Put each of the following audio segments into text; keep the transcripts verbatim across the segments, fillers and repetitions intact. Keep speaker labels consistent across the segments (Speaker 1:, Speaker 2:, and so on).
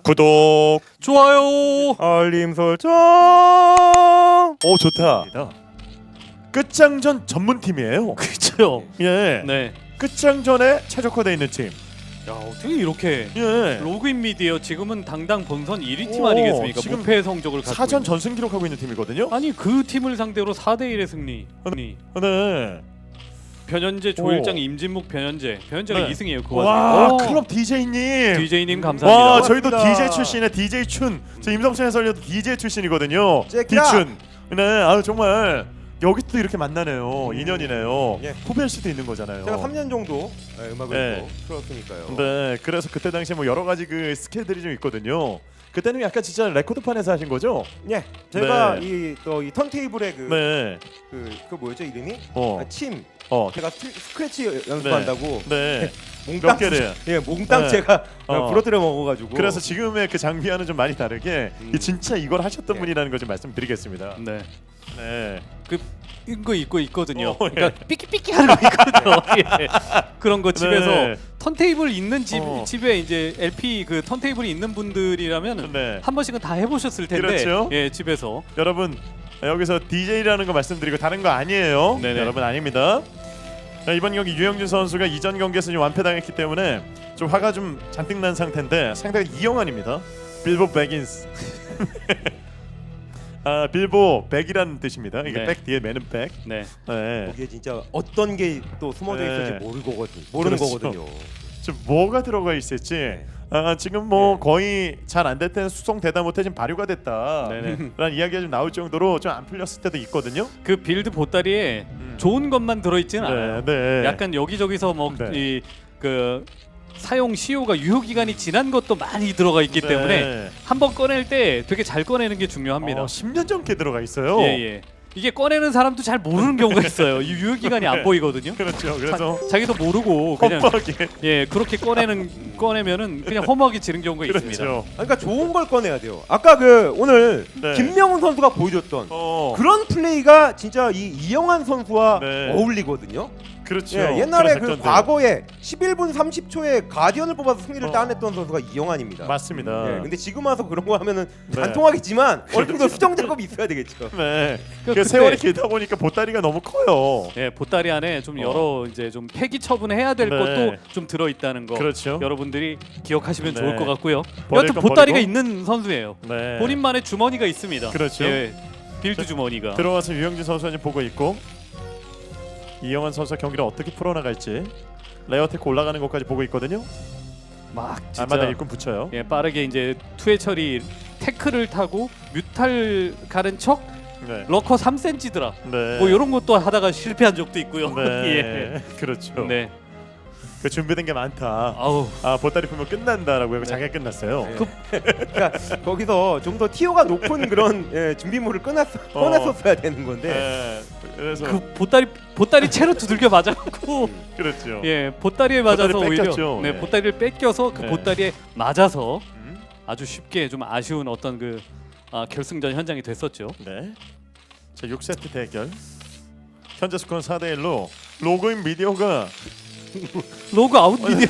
Speaker 1: 구독,
Speaker 2: 좋아요.
Speaker 1: 알림 설정. 오 좋다. 끝장전 전문팀이에요.
Speaker 2: 그렇죠.
Speaker 1: 예.
Speaker 2: 네.
Speaker 1: 끝장전에 최적화되어 있는 팀.
Speaker 2: 야 어떻게 이렇게
Speaker 1: 예.
Speaker 2: 로그인 미디어 지금은 당당 본선 일 위 팀
Speaker 1: 오,
Speaker 2: 아니겠습니까?
Speaker 1: 지금
Speaker 2: 무패 성적을 갖고
Speaker 1: 사전
Speaker 2: 있는.
Speaker 1: 전승 기록하고 있는 팀이거든요.
Speaker 2: 아니 그 팀을 상대로 사 대 일의 승리. 승리.
Speaker 1: 네.
Speaker 2: 변현재, 조일장, 임진묵, 변현재. 변현재가
Speaker 1: 네.
Speaker 2: 이 승이에요. 그
Speaker 1: 와,
Speaker 2: 와중에.
Speaker 1: 클럽 디제이님.
Speaker 2: 디제이님 감사합니다.
Speaker 1: 와, 저희도
Speaker 3: 고맙습니다.
Speaker 1: 디제이 출신의 디제이 춘. 저 임성춘 해설위원도 디제이 출신이거든요.
Speaker 3: 잭이다.
Speaker 1: 디춘. 네, 아유 정말 여기 또 이렇게 만나네요. 인연이네요.
Speaker 3: 예.
Speaker 1: 후배일 수도 있는 거잖아요.
Speaker 3: 제가 삼 년 정도 네, 음악을
Speaker 1: 네.
Speaker 3: 또 틀었으니까요.
Speaker 1: 네, 그래서 그때 당시에 뭐 여러 가지 그 스킬들이 좀 있거든요. 그때는 약간 진짜 레코드판에서 하신 거죠?
Speaker 3: 예, 제가
Speaker 1: 네.
Speaker 3: 이 또 이 턴테이블의 그,
Speaker 1: 네.
Speaker 3: 그, 그 뭐였죠 이름이?
Speaker 1: 어.
Speaker 3: 아, 침.
Speaker 1: 어.
Speaker 3: 제가 스트, 스크래치 연습한다고.
Speaker 1: 네.
Speaker 3: 몽땅
Speaker 1: 몇 개를.
Speaker 3: 예, 몽땅
Speaker 1: 네.
Speaker 3: 제가
Speaker 1: 어.
Speaker 3: 부러뜨려 먹어가지고.
Speaker 1: 그래서 지금의 그 장비와는 좀 많이 다르게
Speaker 3: 음.
Speaker 1: 이 진짜 이걸 하셨던
Speaker 3: 네.
Speaker 1: 분이라는 걸 좀 말씀드리겠습니다.
Speaker 2: 네.
Speaker 1: 네.
Speaker 2: 그 이거 있고 있거든요.
Speaker 1: 어, 예.
Speaker 2: 그러니까 삐끼삐끼 하는 거 있거든요. 예. 그런 거 집에서
Speaker 1: 네.
Speaker 2: 턴테이블 있는 집
Speaker 1: 어.
Speaker 2: 집에 이제 엘피 그 턴테이블이 있는 분들이라면
Speaker 1: 네.
Speaker 2: 한 번씩은 다 해보셨을 텐데.
Speaker 1: 그렇죠.
Speaker 2: 예, 집에서.
Speaker 1: 여러분 여기서 디제이라는 거 말씀드리고 다른 거 아니에요.
Speaker 2: 네네.
Speaker 1: 여러분 아닙니다. 자, 이번 경기 유영준 선수가 이전 경기에서 좀 완패당했기 때문에 좀 화가 좀 잔뜩 난 상태인데 상대가 이영환입니다. 빌보 백인스. 아 빌보 백이라는 뜻입니다. 이게
Speaker 2: 네.
Speaker 1: 백 뒤에 매는 백.
Speaker 2: 네.
Speaker 1: 네.
Speaker 3: 거기에 진짜 어떤 게 또 숨어져
Speaker 1: 네.
Speaker 3: 있을지 모르거든. 모르는
Speaker 1: 그렇죠.
Speaker 3: 거거든요.
Speaker 1: 좀 뭐가 들어가 있을지. 아, 지금 뭐
Speaker 3: 네.
Speaker 1: 거의 잘 안 될 때는 수송되다 못해 지금 발효가 됐다.
Speaker 2: 네네.
Speaker 1: 라는 이야기가 좀 나올 정도로 좀 안 풀렸을 때도 있거든요.
Speaker 2: 그 빌드 보따리에
Speaker 1: 음.
Speaker 2: 좋은 것만 들어있지는 않아요.
Speaker 1: 네, 네.
Speaker 2: 약간 여기저기서 뭐
Speaker 1: 네.
Speaker 2: 이 그 사용 시효가 유효 기간이 지난 것도 많이 들어가 있기
Speaker 1: 네.
Speaker 2: 때문에 한번 꺼낼 때 되게 잘 꺼내는 게 중요합니다.
Speaker 1: 어, 십 년 전께 들어가 있어요.
Speaker 2: 예, 예. 이게 꺼내는 사람도 잘 모르는 경우가 있어요. 이 유효 기간이 안
Speaker 1: 네.
Speaker 2: 보이거든요.
Speaker 1: 그렇죠. 그래서
Speaker 2: 자, 자기도 모르고 그냥
Speaker 1: 험하게
Speaker 2: 예 그렇게 꺼내는 꺼내면은 그냥 허무하게 지는 경우가 있습니다.
Speaker 1: 그렇죠.
Speaker 3: 아, 그러니까 좋은 걸 꺼내야 돼요. 아까 그 오늘
Speaker 1: 네.
Speaker 3: 김명훈 선수가 보여줬던
Speaker 1: 어,
Speaker 3: 그런 플레이가 진짜 이 이영환 선수와
Speaker 1: 네.
Speaker 3: 어울리거든요.
Speaker 1: 그렇죠.
Speaker 3: 예, 옛날에
Speaker 1: 그런
Speaker 3: 그
Speaker 1: 작전들.
Speaker 3: 과거에 십일 분 삼십 초에 가디언을 뽑아서 승리를
Speaker 1: 어.
Speaker 3: 따냈던 선수가 이영환입니다.
Speaker 1: 맞습니다.
Speaker 3: 예, 근데 지금 와서 그런 거 하면은
Speaker 1: 네.
Speaker 3: 안 통하겠지만 어느 정도 수정 작업이 있어야 되겠죠.
Speaker 1: 네. 그
Speaker 2: 그때-
Speaker 1: 세월이 길다 보니까 보따리가 너무 커요.
Speaker 2: 예, 보따리 안에 좀
Speaker 1: 어.
Speaker 2: 여러 이제 좀 폐기 처분해야 될
Speaker 1: 네.
Speaker 2: 것도 좀 들어 있다는 거.
Speaker 1: 그렇죠.
Speaker 2: 여러분들이 기억하시면
Speaker 1: 네.
Speaker 2: 좋을 것 같고요.
Speaker 1: 버릴
Speaker 2: 여튼
Speaker 1: 건
Speaker 2: 보따리가
Speaker 1: 버리고.
Speaker 2: 있는 선수예요.
Speaker 1: 네.
Speaker 2: 본인만의 주머니가 있습니다.
Speaker 1: 그렇죠.
Speaker 2: 예, 빌드
Speaker 1: 자,
Speaker 2: 주머니가.
Speaker 1: 들어와서 유영진 선수가 지금 보고 있고 이영환 선수가 경기를 어떻게 풀어나갈지 레어테크 올라가는 것까지 보고 있거든요.
Speaker 2: 막 진짜
Speaker 1: 아마다 일꾼 붙여요.
Speaker 2: 예, 빠르게 이제 투회 처리 태클을 타고 뮤탈 가른 척
Speaker 1: 네.
Speaker 2: 러커 삼 센티미터 드랍
Speaker 1: 네.
Speaker 2: 뭐 이런 것도 하다가 실패한 적도 있고요.
Speaker 1: 네. 그렇죠.
Speaker 2: 예. 네.
Speaker 1: 그 준비된 게 많다.
Speaker 2: 아우.
Speaker 1: 아 보따리 풀면 끝난다라고 하고 자기가 끝났어요.
Speaker 3: 네. 그러니까 거기서 좀 더 티오가 높은 그런 예, 준비물을 꺼냈,
Speaker 1: 어.
Speaker 3: 꺼냈었어야 되는 건데
Speaker 1: 네. 그래서
Speaker 2: 그 보따리 보따리 채로 두들겨 맞았고
Speaker 1: 그렇죠.
Speaker 2: 예, 보따리에 맞아서
Speaker 1: 보따리
Speaker 2: 오히려
Speaker 1: 뺏겼죠.
Speaker 2: 네,
Speaker 1: 네.
Speaker 2: 보따리를 뺏겨서 그
Speaker 1: 네.
Speaker 2: 보따리에 맞아서
Speaker 1: 음.
Speaker 2: 아주 쉽게 좀 아쉬운 어떤 그 아, 결승전 현장이 됐었죠.
Speaker 1: 네. 자 육 세트 대결. 현재 스코어는 사 대 일로 로그인 미디어가
Speaker 2: 로그 아웃 미디어.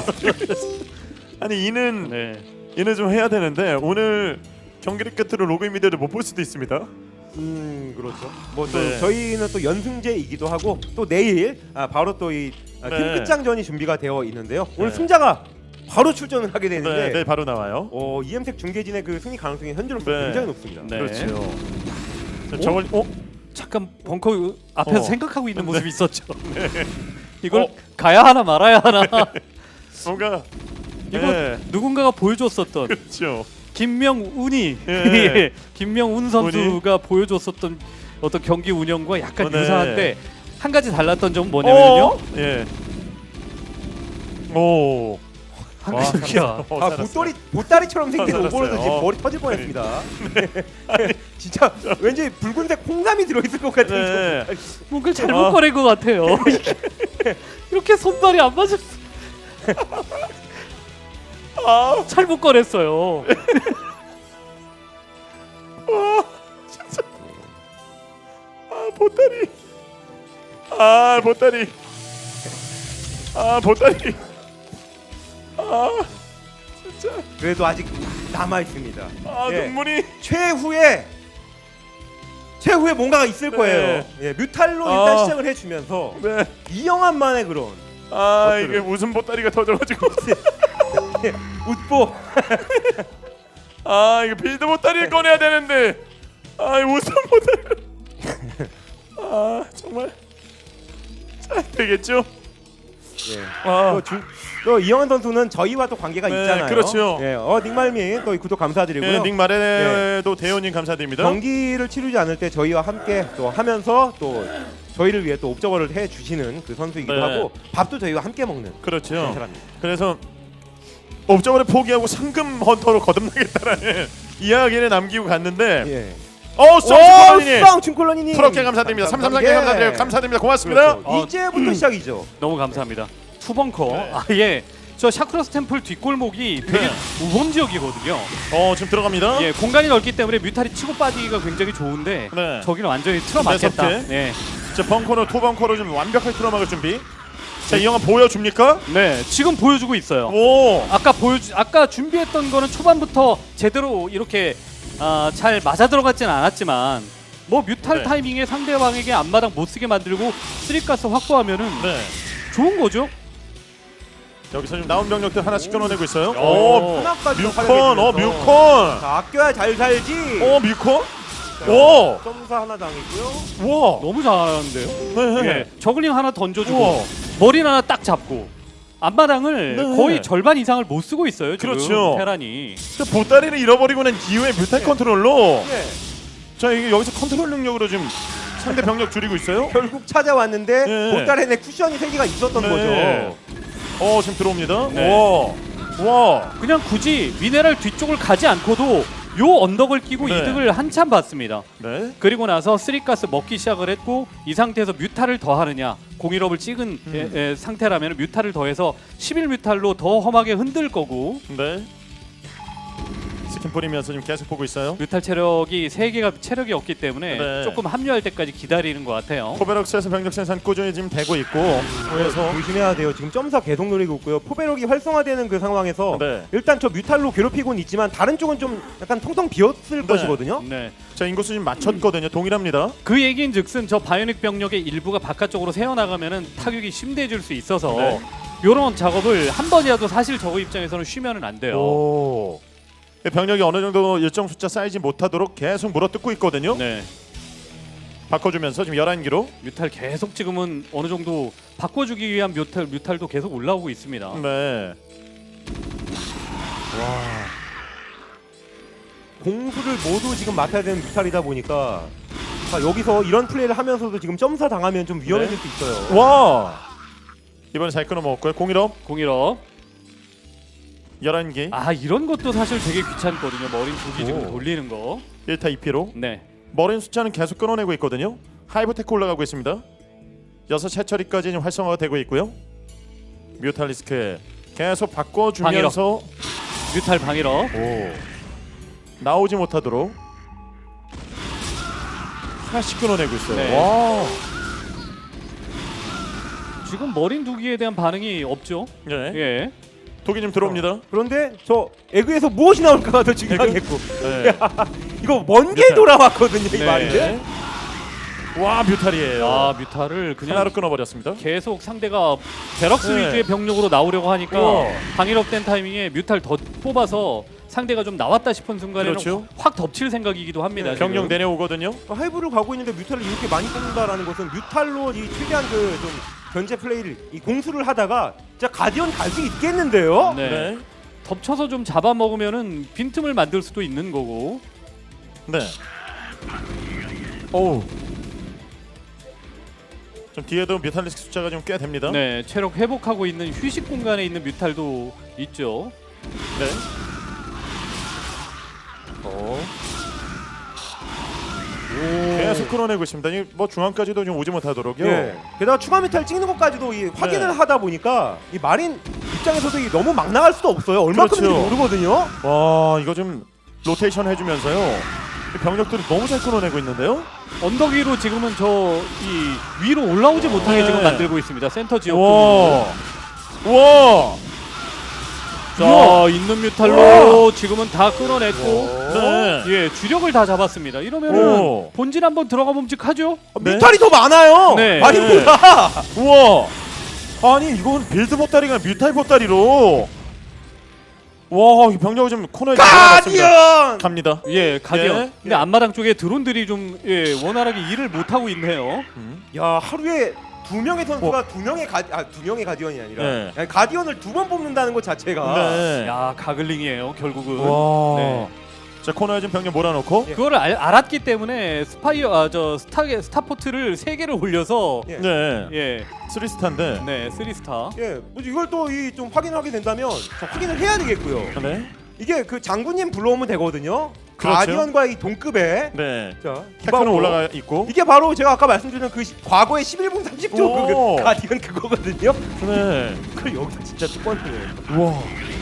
Speaker 1: 아니 이는
Speaker 2: 네.
Speaker 1: 이는 좀 해야 되는데 오늘 경기를 끝으로 로그인 미디어를 못 볼 수도 있습니다.
Speaker 3: 음 그렇죠. 뭐 또
Speaker 1: 네.
Speaker 3: 저희는 또 연승제이기도 하고 또 내일 아, 바로 또 이 아, 팀
Speaker 1: 네.
Speaker 3: 끝장전이 준비가 되어 있는데요. 오늘
Speaker 1: 네.
Speaker 3: 승자가 바로 출전을 하게
Speaker 1: 네,
Speaker 3: 되는데
Speaker 1: 네 바로 나와요.
Speaker 3: 어, 이엠색 중계진의 그 승리 가능성이 현재로서
Speaker 1: 네.
Speaker 3: 굉장히 높습니다.
Speaker 2: 네.
Speaker 1: 그렇죠. 자, 저걸 어?
Speaker 2: 잠깐 벙커 앞에서
Speaker 1: 어.
Speaker 2: 생각하고 있는 모습이 있었죠.
Speaker 1: 네.
Speaker 2: 이걸
Speaker 1: 어.
Speaker 2: 가야 하나 말아야 하나.
Speaker 1: 뭔가
Speaker 2: 이거
Speaker 1: 네.
Speaker 2: 누군가가 보여줬었던
Speaker 1: 그렇죠.
Speaker 2: 김명운이
Speaker 1: 예.
Speaker 2: 예. 김명운 선수가 보여줬었던 어떤 경기 운영과 약간
Speaker 1: 어, 네.
Speaker 2: 유사한데 한 가지 달랐던 점은 뭐냐면요.
Speaker 1: 어? 예. 오.
Speaker 2: 한
Speaker 1: 와,
Speaker 2: 가지야.
Speaker 1: 어,
Speaker 3: 아
Speaker 1: 살았어요.
Speaker 3: 보따리 보따리처럼 생긴
Speaker 1: 살았어요.
Speaker 3: 오버로드 지금
Speaker 1: 어.
Speaker 3: 머리 터질 뻔했습니다. 진짜 왠지 붉은색 콩나미 들어있을 것 같은.
Speaker 1: 네.
Speaker 2: 뭔가 잘못
Speaker 1: 아.
Speaker 2: 꺼낸 것 같아요. 이렇게 손발이 안 맞았어.
Speaker 1: 아,
Speaker 2: 잘못 꺼냈어요.
Speaker 1: 아 보따리. 아 보따리. 아 보따리. 아 진짜.
Speaker 3: 그래도 아직 남아 있습니다.
Speaker 1: 아
Speaker 3: 예.
Speaker 1: 눈물이.
Speaker 3: 최후의 최후의 뭔가가 있을
Speaker 1: 네.
Speaker 3: 거예요. 예, 뮤탈로 일단
Speaker 1: 아.
Speaker 3: 시작을 해주면서
Speaker 1: 네.
Speaker 3: 이영환만의 그런
Speaker 1: 아
Speaker 3: 어때요?
Speaker 1: 이게 웃음 보따리가 터져가지고.
Speaker 3: 예, 웃보.
Speaker 1: 아 이거 빌드 보따리를 꺼내야 되는데. 아 이 웃음 보따리. 아 정말. 잘 되겠죠?
Speaker 3: 예.
Speaker 1: 아.
Speaker 3: 또, 주, 또 이영환 선수는 저희와 또 관계가
Speaker 1: 네,
Speaker 3: 있잖아요.
Speaker 1: 그렇죠.
Speaker 3: 예, 어 닉말미 또 구독 감사드리고요.
Speaker 1: 예, 닉 마레도 대원님 감사드립니다.
Speaker 3: 경기를 치르지 않을 때 저희와 함께 또 하면서 또 저희를 위해 또 옵저버를 해 주시는 그 선수이기도
Speaker 1: 네.
Speaker 3: 하고 밥도 저희와 함께 먹는
Speaker 1: 그렇죠.
Speaker 3: 그런 사람입니다.
Speaker 1: 그래서 옵저버를 포기하고 상금 헌터로 거듭나겠다라는 이야기를 남기고 갔는데
Speaker 3: 예.
Speaker 1: 어 썸
Speaker 3: 쌍 춘콜러니님
Speaker 1: 프로께 감사드립니다. 삼삼삼 개 감사드려요. 감사드립니다. 고맙습니다.
Speaker 3: 그렇죠.
Speaker 2: 어,
Speaker 3: 이제부터 시작이죠.
Speaker 2: 너무 감사합니다. 투벙커.
Speaker 1: 네.
Speaker 2: 아 예. 저 샤크로스 템플 뒷골목이 되게
Speaker 1: 네.
Speaker 2: 우범 지역이거든요.
Speaker 1: 어 지금 들어갑니다.
Speaker 2: 예, 공간이 넓기 때문에 뮤탈이 치고 빠지기가 굉장히 좋은데
Speaker 1: 네.
Speaker 2: 저기는 완전히 틀어막겠다.
Speaker 1: 매섭게.
Speaker 2: 네.
Speaker 1: 자 벙커로 토벙커로 좀 완벽하게 틀어막을 준비. 자 이 영화 보여줍니까?
Speaker 2: 네, 지금 보여주고 있어요.
Speaker 1: 오.
Speaker 2: 아까 보여주 아까 준비했던 거는 초반부터 제대로 이렇게 아, 잘 맞아 들어갔지는 않았지만 뭐 뮤탈
Speaker 1: 네.
Speaker 2: 타이밍에 상대방에게 앞마당 못 쓰게 만들고 쓰리가스 확보하면은
Speaker 1: 네.
Speaker 2: 좋은 거죠.
Speaker 1: 여기서 지금 나온 병력들 하나씩 끊어내고 있어요.
Speaker 2: 오.
Speaker 1: 오.
Speaker 3: 하나까지
Speaker 1: 뮤컨. 어 뮤컨.
Speaker 3: 자, 아껴야 잘 살지.
Speaker 1: 어 뮤컨. 오.
Speaker 3: 점사 하나 당했고요.
Speaker 1: 와.
Speaker 2: 너무 잘하는데요.
Speaker 1: 네.
Speaker 2: 예, 저글링 하나 던져주고
Speaker 1: 우와.
Speaker 2: 머리 하나 딱 잡고 앞마당을
Speaker 1: 네.
Speaker 2: 거의 절반 이상을 못 쓰고 있어요. 지금
Speaker 1: 그렇죠.
Speaker 2: 테란이.
Speaker 1: 근데 보따리를 잃어버리고 난 이후에 뮤탈 컨트롤로
Speaker 3: 예.
Speaker 1: 자 이게 여기서 컨트롤 능력으로 지금 상대 병력 줄이고 있어요.
Speaker 3: 결국 찾아왔는데
Speaker 1: 네.
Speaker 3: 보따리에 쿠션이 세 개가 있었던
Speaker 1: 네.
Speaker 3: 거죠.
Speaker 1: 어 지금 들어옵니다.
Speaker 2: 네.
Speaker 1: 와. 와.
Speaker 2: 그냥 굳이 미네랄 뒤쪽을 가지 않고도 요 언덕을 끼고
Speaker 1: 네.
Speaker 2: 이득을 한참 봤습니다.
Speaker 1: 네.
Speaker 2: 그리고 나서 쓰리가스 먹기 시작을 했고 이 상태에서 뮤탈을 더 하느냐 공일업을 찍은
Speaker 1: 음.
Speaker 2: 에, 에, 상태라면 뮤탈을 더해서 십일 뮤탈로 더 험하게 흔들 거고
Speaker 1: 네. 스킨 뿌리면서 지금 계속 보고 있어요.
Speaker 2: 뮤탈 체력이 세 개가 체력이 없기 때문에
Speaker 1: 네.
Speaker 2: 조금 합류할 때까지 기다리는 것 같아요.
Speaker 1: 포베럭스에서 병력 생산 꾸준히 지금 되고 있고 그래서
Speaker 3: 조심해야 돼요. 지금 점사 계속 노리고 있고요. 포베럭이 활성화되는 그 상황에서
Speaker 1: 네.
Speaker 3: 일단 저 뮤탈로 괴롭히고는 있지만 다른 쪽은 좀 약간 텅텅 비었을
Speaker 1: 네.
Speaker 3: 것이거든요.
Speaker 2: 네.
Speaker 1: 자 인구수 지금 맞췄거든요. 동일합니다.
Speaker 2: 그 얘기인즉슨 저 바이오닉 병력의 일부가 바깥쪽으로 새어나가면은 타격이 심대해질 수 있어서
Speaker 1: 네.
Speaker 2: 이런 작업을 한 번이라도 사실 저거 입장에서는 쉬면은 안 돼요.
Speaker 1: 오. 병력이 어느 정도 일정 숫자 쌓이지 못하도록 계속 물어뜯고 있거든요.
Speaker 2: 네.
Speaker 1: 바꿔주면서 지금 열한 기로.
Speaker 2: 뮤탈 계속 지금은 어느 정도 바꿔주기 위한 뮤탈 뮤탈도 계속 올라오고 있습니다.
Speaker 1: 네.
Speaker 3: 공수를 모두 지금 맡아야 되는 뮤탈이다 보니까 자, 여기서 이런 플레이를 하면서도 지금 점사 당하면 좀 위험해질
Speaker 1: 네.
Speaker 3: 수 있어요.
Speaker 1: 와. 이번에 잘 끊어먹었고요. 공일업
Speaker 2: 공일업.
Speaker 1: 열한 기.
Speaker 2: 아 이런 것도 사실 되게 귀찮거든요. 머린 두 개 지금
Speaker 1: 오.
Speaker 2: 돌리는 거.
Speaker 1: 일 타 이 피로.
Speaker 2: 네.
Speaker 1: 머린 숫자는 계속 끊어내고 있거든요. 하이브테크 올라가고 있습니다. 여섯 채처리까지 지금 활성화가 되고 있고요. 뮤탈리스크 계속 바꿔주면서
Speaker 2: 뮤탈 방일업.
Speaker 1: 오. 나오지 못하도록 하나씩 끊어내고 있어요.
Speaker 2: 네.
Speaker 1: 와.
Speaker 2: 지금 머린 두 개에 대한 반응이 없죠.
Speaker 1: 네.
Speaker 2: 예.
Speaker 1: 독이 좀 들어옵니다.
Speaker 3: 그런데 저 에그에서 무엇이 나올까가 더 중요하겠고
Speaker 1: 네.
Speaker 3: 이거 먼 게
Speaker 1: 뮤탈.
Speaker 3: 돌아왔거든요 이
Speaker 2: 네.
Speaker 3: 말인데.
Speaker 1: 와 뮤탈이에요.
Speaker 2: 아 뮤탈을 그냥
Speaker 1: 하나로 끊어버렸습니다.
Speaker 2: 계속 상대가 베럭스
Speaker 1: 네.
Speaker 2: 위주의 병력으로 나오려고 하니까
Speaker 1: 우와.
Speaker 2: 방일업된 타이밍에 뮤탈 더 뽑아서 상대가 좀 나왔다 싶은 순간에는
Speaker 1: 그렇죠.
Speaker 2: 확 덮칠 생각이기도 합니다.
Speaker 3: 네.
Speaker 2: 지금.
Speaker 1: 병력 내려오거든요.
Speaker 3: 하이브를 가고 있는데 뮤탈을 이렇게 많이 뽑는다라는 것은 뮤탈로 이 최대한 그 좀 견제 플레이를 이 공수를 하다가 진짜 가디언 갈 수 있겠는데요?
Speaker 2: 네.
Speaker 1: 네.
Speaker 2: 덮쳐서 좀 잡아먹으면은 빈틈을 만들 수도 있는 거고.
Speaker 1: 네. 오. 좀 뒤에도 뮤탈리스크 숫자가 좀 꽤 됩니다.
Speaker 2: 네, 체력 회복하고 있는 휴식 공간에 있는 뮤탈도 있죠.
Speaker 1: 네.
Speaker 3: 어.
Speaker 1: 계속 끌어내고 있습니다. 이 뭐 중앙까지도 좀 오지 못하도록요.
Speaker 3: 예. 게다가 추가 뮤탈 찍는 것까지도 이 확인을
Speaker 1: 네.
Speaker 3: 하다 보니까 이 마린 입장에서도 이 너무 막 나갈 수도 없어요. 얼마큼인지
Speaker 1: 그렇죠.
Speaker 3: 모르거든요.
Speaker 1: 와 이거 좀 로테이션 해주면서요. 이 병력들이 너무 잘 끌어내고 있는데요.
Speaker 2: 언덕 위로 지금은 저 이 위로 올라오지 못하게
Speaker 1: 네.
Speaker 2: 지금 만들고 있습니다. 센터 지역
Speaker 1: 와.
Speaker 2: 부분을.
Speaker 1: 와.
Speaker 2: 자, 있는 뮤탈로 지금은 다 끊어냈고
Speaker 1: 네.
Speaker 2: 예, 주력을 다 잡았습니다. 이러면은
Speaker 1: 오.
Speaker 2: 본진 한번 들어가 봄직하죠?
Speaker 1: 네.
Speaker 3: 뮤탈이 더 많아요.
Speaker 2: 네.
Speaker 3: 마린보다.
Speaker 1: 우와. 아니 이건 빌드 보따리가 뮤탈 보따리로. 와, 이 병력을 좀 코너에 집어넣었습니다.
Speaker 3: 가디언.
Speaker 1: 갑니다.
Speaker 2: 예, 가디언.
Speaker 1: 예.
Speaker 2: 근데 앞마당 쪽에 드론들이 좀 예, 원활하게 일을 못 하고 있네요.
Speaker 1: 음.
Speaker 3: 야, 하루에 두 명의 선수가 두 명의 가, 아, 두 명의 가디언이 아니라
Speaker 1: 네.
Speaker 3: 아니, 가디언을 두 번 뽑는다는 것 자체가
Speaker 1: 네.
Speaker 2: 야, 가글링이에요, 결국은.
Speaker 1: 와.
Speaker 2: 네.
Speaker 1: 자, 코너에 좀 병력 몰아놓고.
Speaker 3: 예.
Speaker 2: 그거를 알, 알았기 때문에 스파이어 아, 저 스타 스타포트를 세 개를 올려서
Speaker 3: 예.
Speaker 1: 네.
Speaker 2: 예.
Speaker 1: 쓰리스타인데.
Speaker 2: 네, 쓰리 스타.
Speaker 3: 예, 뭐 이걸 또 이 좀 확인하게 된다면 자, 확인을 해야 되겠고요.
Speaker 1: 네.
Speaker 3: 이게 그 장군님 불러오면 되거든요.
Speaker 1: 그렇죠.
Speaker 3: 가디언과 이 동급의
Speaker 1: 네.
Speaker 3: 자
Speaker 1: 테크는
Speaker 3: 기바로
Speaker 1: 올라가 있고.
Speaker 3: 이게 바로 제가 아까 말씀드린 그 시, 과거의 십일 분 삼십 초
Speaker 1: 오.
Speaker 3: 그 가디언 그거거든요.
Speaker 1: 네.
Speaker 3: 그걸 여기서 진짜 뚜껑이에요.
Speaker 1: 우와.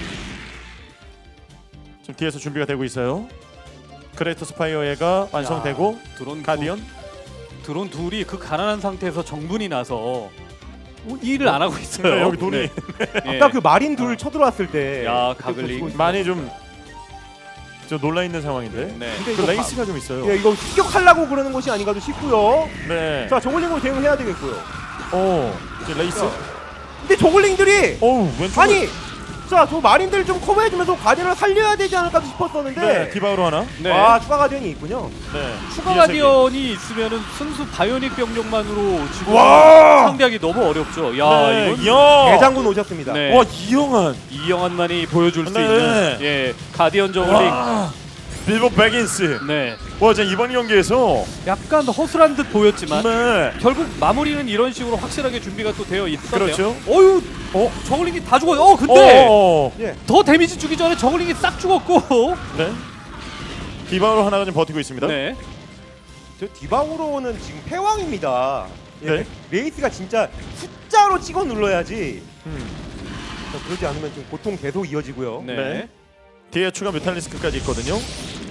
Speaker 1: 지금 뒤에서 준비가 되고 있어요. 그레이터 스파이어가 완성되고
Speaker 2: 야, 드론
Speaker 1: 가디언.
Speaker 2: 두, 드론 둘이 그 가난한 상태에서 정분이 나서 뭐 일을 안 하고 있어요.
Speaker 1: 네, 여기 돈이
Speaker 2: 네. 예.
Speaker 3: 아까 그 마린 둘 쳐들어왔을 때
Speaker 2: 야,
Speaker 3: 그때
Speaker 2: 가글링.
Speaker 3: 보시고 있어요.
Speaker 1: 많이 좀 저 놀라 있는 상황인데.
Speaker 2: 네.
Speaker 3: 근데
Speaker 1: 그
Speaker 3: 이거
Speaker 1: 레이스가 좀 있어요.
Speaker 3: 예, 이거 습격하려고 그러는 것이 아닌가도 싶고요.
Speaker 1: 네.
Speaker 3: 자, 저글링으로 대응해야 되겠고요.
Speaker 1: 오. 이제 레이스.
Speaker 3: 자, 근데 저글링들이
Speaker 1: 어우, 왼쪽.
Speaker 3: 아니, 자, 저 마린들 좀 커버해주면서 가디언을 살려야 되지 않을까 싶었었는데
Speaker 1: 네. 디바우로 하나.
Speaker 2: 네.
Speaker 3: 아, 추가 가디언이 있군요.
Speaker 1: 네.
Speaker 2: 추가
Speaker 1: 뒤에서
Speaker 2: 가디언이 있으면은 순수 바이오닉 병력만으로 지금
Speaker 3: 와!
Speaker 2: 상대하기 너무 어렵죠.
Speaker 1: 이게-
Speaker 2: 야,
Speaker 1: 네.
Speaker 2: 이건
Speaker 1: 이야.
Speaker 3: 대장군 오셨습니다.
Speaker 2: 네.
Speaker 1: 와, 이영환.
Speaker 2: 이영환만이 보여줄 수
Speaker 1: 네.
Speaker 2: 있는 예, 가디언 저글링.
Speaker 1: 와. 빌보 백인스.
Speaker 2: 네.
Speaker 1: 와, 제 이번 경기에서
Speaker 2: 약간 허술한 듯 보였지만
Speaker 1: 네.
Speaker 2: 결국 마무리는 이런 식으로 확실하게 준비가 또 되어 있었네요.
Speaker 1: 그렇죠.
Speaker 2: 어유, 어, 저글링이 다 죽어요. 어, 근데
Speaker 1: 어.
Speaker 3: 예.
Speaker 2: 더 데미지 주기 전에 저글링이 싹 죽었고.
Speaker 1: 네. 디바우로 하나가 좀 버티고 있습니다.
Speaker 2: 네.
Speaker 3: 저 디바우로는 지금 패왕입니다. 예.
Speaker 1: 네.
Speaker 3: 레이스가 진짜 숫자로 찍어 눌러야지.
Speaker 1: 음.
Speaker 3: 자, 그러지 않으면 좀 고통 계속 이어지고요.
Speaker 2: 네.
Speaker 1: 네. 뒤에 추가 뮤탈리스크까지 있거든요.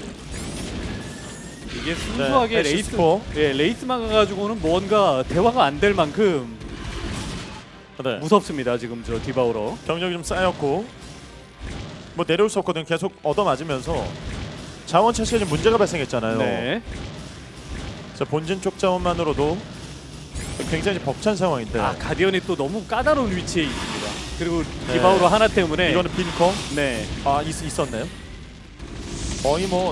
Speaker 2: 이게 순수하게
Speaker 1: 네,
Speaker 2: 레이스,
Speaker 1: 에시스포.
Speaker 2: 예, 레이스만 가지고는 뭔가 대화가 안 될 만큼
Speaker 1: 네.
Speaker 2: 무섭습니다. 지금 저 디바우로.
Speaker 1: 병력이 좀 쌓였고 뭐 내려올 수 없거든. 계속 얻어맞으면서 자원 차시에 좀 문제가 발생했잖아요.
Speaker 2: 네.
Speaker 1: 자, 본진 쪽 자원만으로도 굉장히 벅찬 상황인데
Speaker 2: 아, 가디언이 또 너무 까다로운 위치에 있습니다. 그리고
Speaker 1: 네.
Speaker 2: 디바우로 하나 때문에
Speaker 1: 이거는 빈커.
Speaker 2: 네.
Speaker 1: 아, 있, 있었네요. 거의 뭐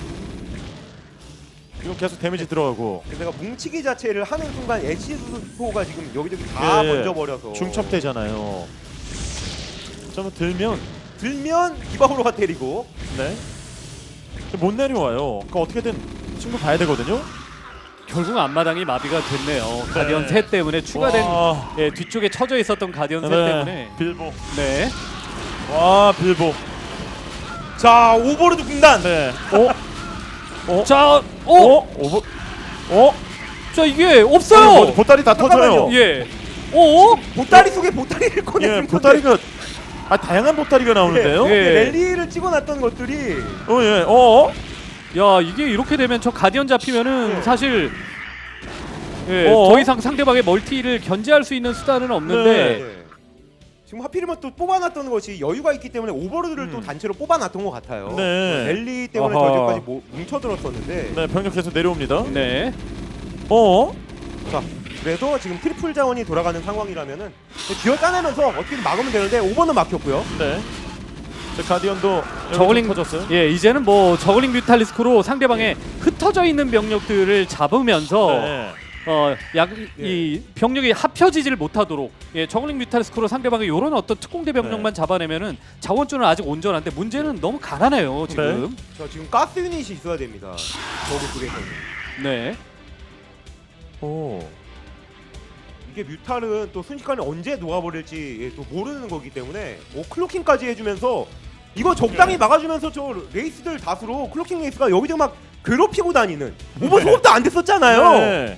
Speaker 1: 이거 계속 데미지 들어가고
Speaker 3: 내가 뭉치기 자체를 하는 순간 에시스포가 지금 여기저기 다
Speaker 1: 예, 예.
Speaker 3: 번져버려서
Speaker 1: 중첩되잖아요. 좀 들면
Speaker 3: 들면 디바우로가 때리고
Speaker 1: 네. 못 내려와요. 그러니까 어떻게든 친구 봐야 되거든요.
Speaker 2: 결국 앞마당이 마비가 됐네요. 가디언 셋 때문에 추가된
Speaker 1: 와.
Speaker 2: 예, 뒤쪽에 쳐져 있었던 가디언 셋
Speaker 1: 네.
Speaker 2: 때문에
Speaker 1: 빌보.
Speaker 2: 네.
Speaker 1: 와, 빌보.
Speaker 3: 자, 오버로드 군단.
Speaker 1: 네. 어? 어?
Speaker 2: 자, 어,
Speaker 1: 어? 오버. 어?
Speaker 2: 자 이게
Speaker 1: 뭐,
Speaker 2: 없어요.
Speaker 1: 보따리 다 터져요.
Speaker 3: 잠깐만요.
Speaker 2: 예. 어?
Speaker 3: 보따리 속에 보따리를
Speaker 1: 예,
Speaker 3: 꺼내는
Speaker 1: 보따리가 아, 다양한 보따리가 나오는데요.
Speaker 2: 예.
Speaker 3: 랠리를 찍어놨던 것들이
Speaker 1: 어, 예. 어?
Speaker 2: 야, 이게 이렇게 되면 저 가디언 잡히면은
Speaker 3: 예.
Speaker 2: 사실 예,
Speaker 1: 어?
Speaker 2: 더 이상 상대방의 멀티를 견제할 수 있는 수단은 없는데
Speaker 1: 네.
Speaker 3: 예. 지금 하필이면 또 뽑아놨던 것이 여유가 있기 때문에 오버로드를
Speaker 1: 음.
Speaker 3: 또 단체로 뽑아놨던 것 같아요.
Speaker 1: 네.
Speaker 3: 랠리 때문에
Speaker 2: 아하.
Speaker 3: 저기까지 모- 뭉쳐들었었는데
Speaker 1: 네, 병력 계속 내려옵니다.
Speaker 2: 네.
Speaker 1: 어?
Speaker 3: 자, 그래도 지금 트리플 자원이 돌아가는 상황이라면은 기어 짜내면서 어떻게든 막으면 되는데 오버는 막혔고요.
Speaker 1: 네. 저 가디언도
Speaker 2: 저글링
Speaker 1: 터졌어요.
Speaker 2: 예, 이제는 뭐 저글링 뮤탈리스크로 상대방의 흩어져 있는 병력들을 잡으면서
Speaker 1: 네.
Speaker 2: 어, 약, 이 병력이 합혀지질 못하도록 예, 저글링 뮤탈리스크로 상대방의 요런 어떤 특공대 병력만 잡아내면은 자원줄은 아직 온전한데 문제는 너무 가난해요 지금.
Speaker 3: 자, 지금 가스 유닛이 있어야 됩니다. 저그 쪽에서는.
Speaker 2: 네.
Speaker 1: 오.
Speaker 3: 이게 뮤탈은 또 순식간에 언제 녹아버릴지 예, 또 모르는 거기 때문에 오 클로킹까지 해주면서 이거 적당히
Speaker 1: 네.
Speaker 3: 막아주면서 저 레이스들 다수로 클로킹 레이스가 여기저기 막 괴롭히고 다니는 오버 소급도 안 됐었잖아요.
Speaker 1: 네.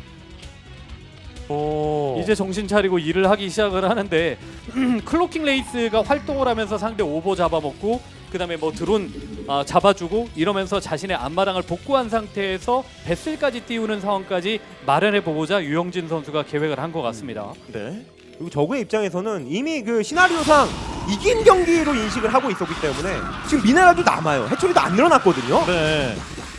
Speaker 1: 오.
Speaker 2: 이제 정신 차리고 일을 하기 시작을 하는데 클로킹 레이스가 활동을 하면서 상대 오버 잡아먹고 그다음에 뭐 드론 아, 잡아주고 이러면서 자신의 앞마당을 복구한 상태에서 배슬까지 띄우는 상황까지 마련해 보고자 유영진 선수가 계획을 한 것 같습니다.
Speaker 1: 네.
Speaker 3: 그리고 저그의 입장에서는 이미 그 시나리오상 이긴 경기로 인식을 하고 있었기 때문에 지금 미네랄도 남아요. 해처리도 안 늘어났거든요.
Speaker 1: 네.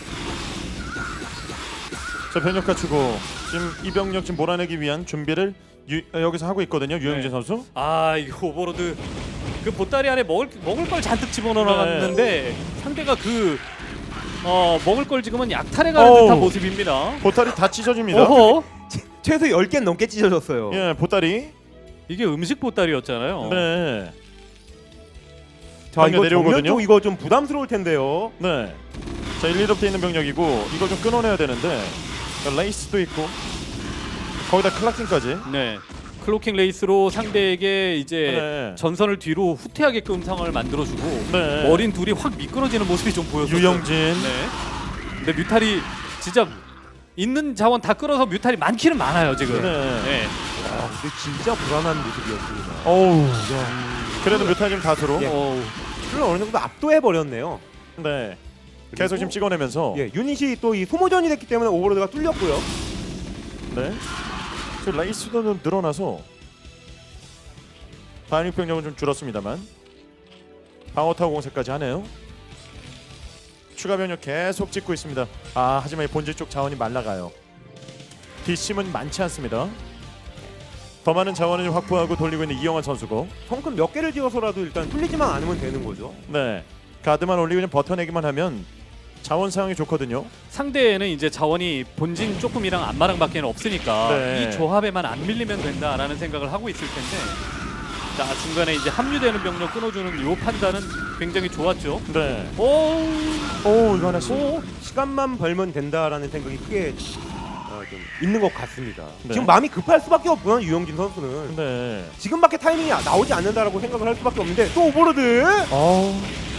Speaker 1: 자 병력 갖추고 지금 이 병력 지금 몰아내기 위한 준비를 유, 어, 여기서 하고 있거든요. 유영진
Speaker 2: 네.
Speaker 1: 선수.
Speaker 2: 아 이거 오버로드 그 보따리 안에 먹을 먹을 걸 잔뜩 집어넣어놨는데
Speaker 1: 네.
Speaker 2: 상대가 그 어 먹을 걸 지금은 약탈해가는
Speaker 1: 어우.
Speaker 2: 듯한 모습입니다.
Speaker 1: 보따리 다 찢어집니다.
Speaker 2: 어허.
Speaker 3: 최소 열 개 넘게 찢어졌어요.
Speaker 1: 예, 보따리.
Speaker 2: 이게 음식 보따리였잖아요.
Speaker 1: 네.
Speaker 3: 자,
Speaker 1: 병력
Speaker 3: 이거
Speaker 1: 내려오거든요.
Speaker 3: 정면 쪽 이거 좀 부담스러울 텐데요.
Speaker 1: 네. 자, 일, 이롭돼 있는 병력이고 이거 좀 끊어내야 되는데 레이스도 있고 거기다 클라킹까지.
Speaker 2: 네. 클로킹 레이스로 상대에게 이제
Speaker 1: 네.
Speaker 2: 전선을 뒤로 후퇴하게끔 상황을 만들어주고
Speaker 1: 네.
Speaker 2: 어린 둘이 확 미끄러지는 모습이 좀 보였어요.
Speaker 1: 유영진.
Speaker 2: 네. 근데 뮤탈이 진짜 있는 자원 다 끌어서 뮤탈이 많기는 많아요 지금.
Speaker 1: 네.
Speaker 2: 네.
Speaker 3: 아, 근데 진짜 불안한 모습이었습니다.
Speaker 1: 어우. 그래도 뮤탈 지금 다수로.
Speaker 3: 예.
Speaker 2: 어우.
Speaker 3: 를 어느 정도 압도해 버렸네요.
Speaker 1: 네. 계속 지금 찍어내면서.
Speaker 3: 예, 유닛이 또 이 소모전이 됐기 때문에 오버로드가 뚫렸고요.
Speaker 1: 네. 지금 레이스도 좀 늘어나서 반역 병력은 좀 줄었습니다만 방어타워 공세까지 하네요. 추가 병력 계속 찍고 있습니다. 아 하지만 이 본질 쪽 자원이 말라가요. 뒷심은 많지 않습니다. 더 많은 자원을 확보하고 돌리고 있는 이영환 선수고.
Speaker 3: 성큼 몇 개를 지어서라도 일단 뚫리지만 않으면 되는 거죠.
Speaker 1: 네. 가드만 올리고 좀 버텨내기만 하면 자원 사용이 좋거든요.
Speaker 2: 상대에는 이제 자원이 본진 조금이랑 안마랑밖에 없으니까
Speaker 1: 네.
Speaker 2: 이 조합에만 안 밀리면 된다라는 생각을 하고 있을 텐데 자 중간에 이제 합류되는 병력 끊어주는 요 판단은 굉장히 좋았죠.
Speaker 1: 네.
Speaker 2: 오,
Speaker 1: 오 이거 하나씩.
Speaker 2: 오,
Speaker 3: 시간만 벌면 된다라는 생각이 크게 어, 좀 있는 것 같습니다.
Speaker 1: 네.
Speaker 3: 지금 마음이 급할 수밖에 없고요. 유영진 선수는
Speaker 1: 네.
Speaker 3: 지금밖에 타이밍이 나오지 않는다라고 생각을 할 수밖에 없는데 또 오버로드.
Speaker 1: 어.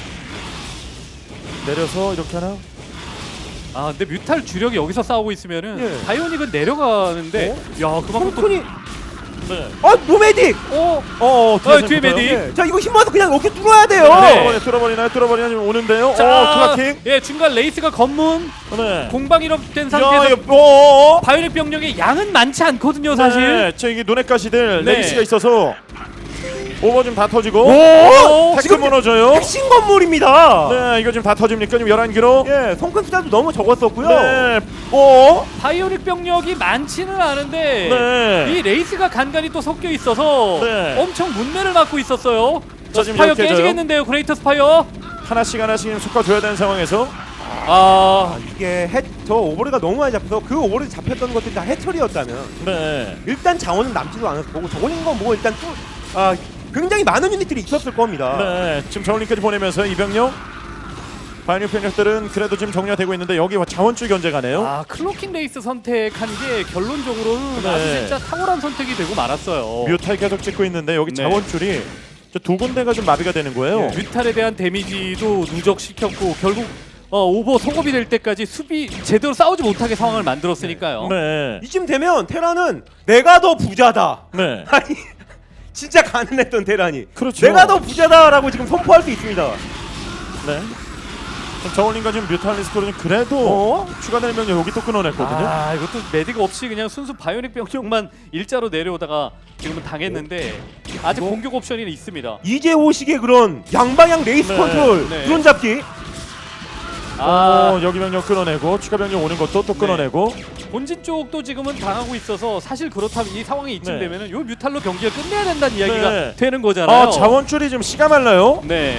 Speaker 1: 내려서 이렇게 하나?
Speaker 2: 아 근데 뮤탈 주력이 여기서 싸우고 있으면은
Speaker 3: 예.
Speaker 2: 바이오닉은 내려가는데 야 그만큼 또
Speaker 3: 성큰이
Speaker 1: 네.
Speaker 3: 어 노메딕.
Speaker 2: 어,
Speaker 1: 어,
Speaker 2: 어 뒤에
Speaker 1: 붙어요?
Speaker 2: 메딕.
Speaker 3: 예. 자 이거 힘 모아서 그냥 어깨 뚫어야 돼요.
Speaker 2: 네.
Speaker 1: 뚫어버리나 뚫어버리나 뚫어버리나 지금 오는데요.
Speaker 2: 자,
Speaker 1: 어 클라킹.
Speaker 2: 예 중간 레이스가 검문
Speaker 1: 네.
Speaker 2: 공방 이력된
Speaker 1: 야
Speaker 2: 상태에서
Speaker 1: 이거 어.
Speaker 2: 바이오닉 병력의 양은 많지 않거든요 사실.
Speaker 1: 네. 저 이게 눈에 가시들
Speaker 2: 네.
Speaker 1: 레이스가 있어서 오버 좀 다 터지고.
Speaker 2: 오,
Speaker 1: 태클
Speaker 3: 지금
Speaker 1: 무너져요.
Speaker 3: 핵심 건물입니다.
Speaker 1: 네, 이거 지금 다 터집니까? 지금 열한 킬로.
Speaker 3: 예, 성큰 숫자도 너무 적었었고요.
Speaker 1: 네. 어?
Speaker 2: 바이오닉 병력이 많지는 않은데
Speaker 1: 네.
Speaker 2: 이 레이스가 간간히 또 섞여 있어서
Speaker 1: 네.
Speaker 2: 엄청 문매를 맞고 있었어요.
Speaker 1: 자,
Speaker 2: 저
Speaker 1: 지금
Speaker 2: 스파이어
Speaker 1: 이렇게 해줘요.
Speaker 2: 깨지겠는데요, 그레이터 스파이어.
Speaker 1: 하나씩 하나씩 섞어줘야 되는 상황에서.
Speaker 2: 아,
Speaker 3: 아, 이게 해, 저 오버로드가 너무 많이 잡혀서 그 오버로드 잡혔던 것들이 다 해처리였다면
Speaker 1: 네.
Speaker 3: 일단 자원은 남지도 않았을 거고 저걸린 건 뭐 일단 뚫, 아, 굉장히 많은 유닛들이 있었을 겁니다.
Speaker 1: 네. 지금 저울링까지 보내면서 이병력 반역 병력들은 그래도 지금 정리가 되고 있는데 여기 자원줄 견제가네요.
Speaker 2: 아 클로킹 레이스 선택한 게 결론적으로는
Speaker 1: 네.
Speaker 2: 아주 진짜 탁월한 선택이 되고 말았어요.
Speaker 1: 뮤탈 계속 찍고 있는데 여기
Speaker 2: 네.
Speaker 1: 자원줄이 저두 군데가 좀 마비가 되는 거예요.
Speaker 2: 뮤탈에 대한 데미지도 누적시켰고 결국 어, 오버 속업이 될 때까지 수비 제대로 싸우지 못하게 상황을 만들었으니까요.
Speaker 1: 네.
Speaker 3: 이쯤 되면 테라는 내가 더 부자다.
Speaker 1: 네.
Speaker 3: 아니 진짜 가난했던 테란이
Speaker 1: 그렇죠.
Speaker 3: 내가 더 부자다라고 지금 선포할 수 있습니다.
Speaker 1: 네. 그럼 저울링과 지금 뮤탈리스크로는 그래도
Speaker 3: 어?
Speaker 1: 추가되는 병력 여기 또 끊어냈거든요.
Speaker 2: 아 이것도 메딕 없이 그냥 순수 바이오닉 병력만 일자로 내려오다가 지금은 당했는데 아직
Speaker 3: 이거?
Speaker 2: 공격 옵션이 있습니다.
Speaker 3: 이재호식의 그런 양방향 레이스
Speaker 1: 네,
Speaker 3: 컨트롤
Speaker 2: 네.
Speaker 3: 드론 잡기.
Speaker 2: 아
Speaker 1: 어, 여기 병력 끊어내고 추가 병력 오는 것도 또
Speaker 2: 네.
Speaker 1: 끊어내고.
Speaker 2: 본진 쪽도 지금은 당하고 있어서 사실 그렇다면 이 상황이 이쯤
Speaker 1: 네.
Speaker 2: 되면은 요 뮤탈로 경기를 끝내야 된다는 이야기가
Speaker 1: 네.
Speaker 2: 되는 거잖아요.
Speaker 1: 아 자원줄이 지금 씨가 말라요.
Speaker 2: 네.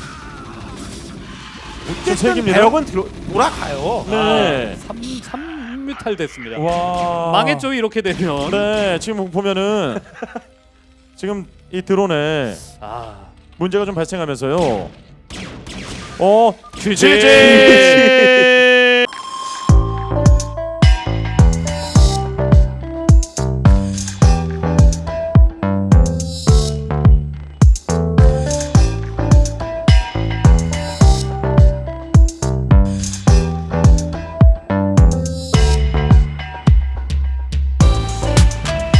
Speaker 3: 어쨌든
Speaker 1: 색입니다.
Speaker 3: 배역은 들어, 돌아가요.
Speaker 1: 네.
Speaker 2: 삼, 삼 뮤탈 됐습니다.
Speaker 1: 와.
Speaker 2: 망했죠 이렇게 되면.
Speaker 1: 네, 지금 보면은 지금 이 드론에
Speaker 2: 아
Speaker 1: 문제가 좀 발생하면서요. 어,
Speaker 2: 쥐지.
Speaker 1: 쥐지.